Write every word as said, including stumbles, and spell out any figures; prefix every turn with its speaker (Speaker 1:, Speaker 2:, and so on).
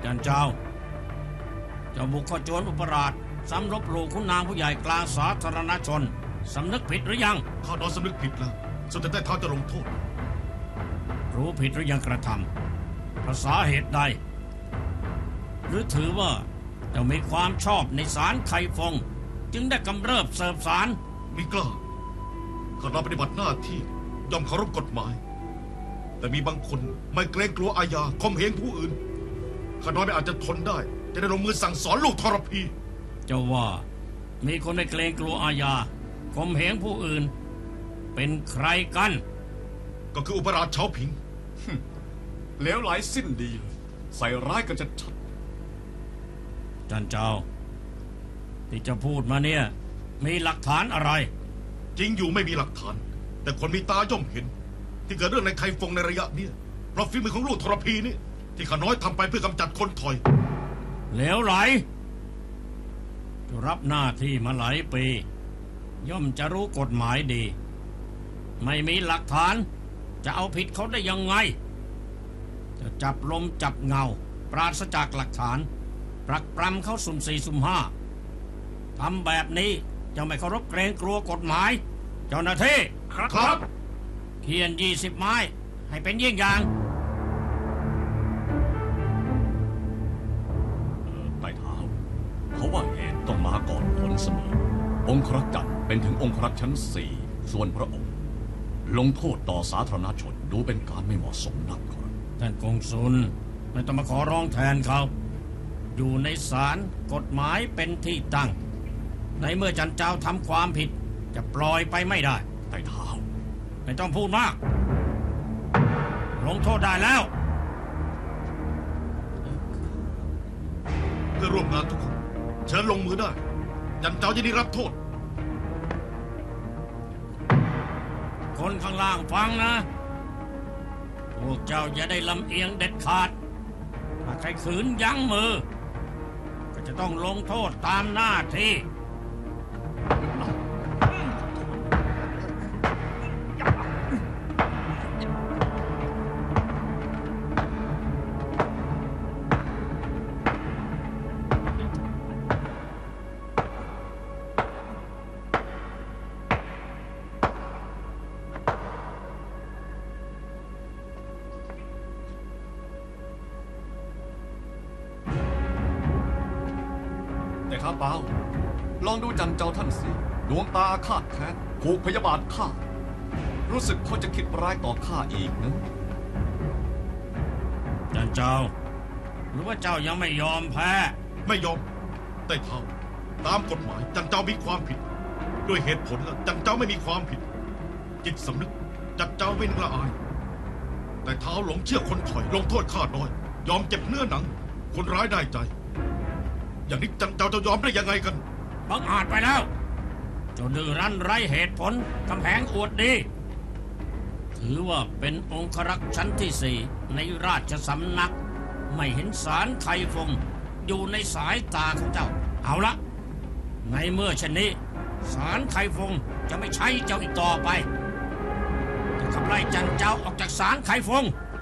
Speaker 1: จันเจ้าเจ้าบุกเข้าโจรอุปราชซ้ำลบหลู่คุณนางผู้ใหญ่กลางสาธารณชนสำนึกผิดหรือยัง
Speaker 2: ข้าน้อยสำนึกผิดแล้วสุดแต่ได้ท้าจะลงโทษ
Speaker 1: รู้ผิดหรือยังกระทำภาษาเหตุใดหรือถือว่าเจ้ามีความชอบในศาลไคฟงจึงได้กำเริบเสิร์ฟศาล
Speaker 2: มิกล้าข้าน้อยปฏิบัติหน้าที่ยอมเคารพกฎหมายแต่มีบางคนไม่เกรงกลัวอาญาข่มเหงผู้อื่นข้าน้อยไม่อาจจะทนได้จะได้ลงมือสั่งสอนลูกทรพี
Speaker 1: เจ้าว่ามีคนไม่เกรงกลัวอาญาข่มเหงผู้อื่นเป็นใครกัน
Speaker 2: ก็คืออุปราชเฉาผิง
Speaker 3: เลวไหลสิ้นดีใส่ร้ายกันจะชัด
Speaker 1: จันเจ้าที่จะพูดมาเนี่ยมีหลักฐานอะไร
Speaker 2: จริงอยู่ไม่มีหลักฐานแต่คนมีตาย่อมเห็นที่เกิดเรื่องในไคฟงในระยะนี้เพราะฝีมือของลูกทรพีนี่ที่ข้าน้อยทำไปเพื่อกำจัดคนถอย
Speaker 1: เหลวไหลรับหน้าที่มาหลายปีย่อมจะรู้กฎหมายดีไม่มีหลักฐานจะเอาผิดเขาได้ยังไงจะจับลมจับเงาปราศจากหลักฐานปรักปรำเขาสุ่มสี่สุ่มห้าทำแบบนี้จะไม่เคารพเกรงกลัวกฎหมายเจ้าหน้าที่
Speaker 2: ครับ
Speaker 1: เขียนยี่สิบไม้ให้เป็นเยี่ยงอย่าง
Speaker 3: ไต่เท้าเขาว่าเหตุต้องมาก่อนผลเสมอองครักษ์จันทร์เป็นถึงองครักษ์ชั้นสี่ส่วนพระองค์ลงโทษต่อสาธารณชนดูเป็นการไม่เหมาะสมนักครับ
Speaker 1: ท่านกงสุลไม่ต้องมาขอร้องแทนเขาอยู่ในศาลกฎหมายเป็นที่ตั้งในเมื่อจันเจ้าทำความผิดจะปล่อยไปไม่ได้
Speaker 3: ไต่เท้า
Speaker 1: ไม่ต้องพูดมากลงโทษได้แล้ว
Speaker 2: เพื่อร่วมงานทุกคนเชิญลงมือได้จันเจ้าจะได้รับโทษ
Speaker 1: คนข้างล่างฟังนะพวกเจ้าอย่าได้ลำเอียงเด็ดขาดถ้าใครขืนยั้งมือก็จะต้องลงโทษตามหน้าที่
Speaker 3: แต่ข้าเปล่าลองดูจันเจ้าท่านสิดวงตาคาดแค้นผูกพยาบาทข้ารู้สึกเขาจะคิดร้ายต่อข้าอีกนะ
Speaker 1: จันเจ้าหรือว่าเจ้ายังไม่ยอมแพ้
Speaker 2: ไม่ยอมแต่เท่าตามกฎหมายจันเจ้ามีความผิดด้วยเหตุผลแล้วจันเจ้าไม่มีความผิดจิตสำนึกจันเจ้าไม่นึกละอายแต่เท้าหลงเชื่อคนถอยลงโทษข้าน้อยยอมเจ็บเนื้อหนังคนร้ายได้ใจอย่างนี้จันเจ้าจะยอมได้ยังไงกัน
Speaker 1: บังอาจไปแล้วเจ้าดื้อรั้นไร้เหตุผลกำแพงอวดดีถือว่าเป็นองครักษ์ชั้นที่สี่ในราชสำนักไม่เห็นศาลไคฟงอยู่ในสายตาของเจ้าเอาละในเมื่อเช่นนี้ศาลไคฟงจะไม่ใช้เจ้าอีกต่อไปจะขับไล่จันเจ้าออกจากศาลไคฟง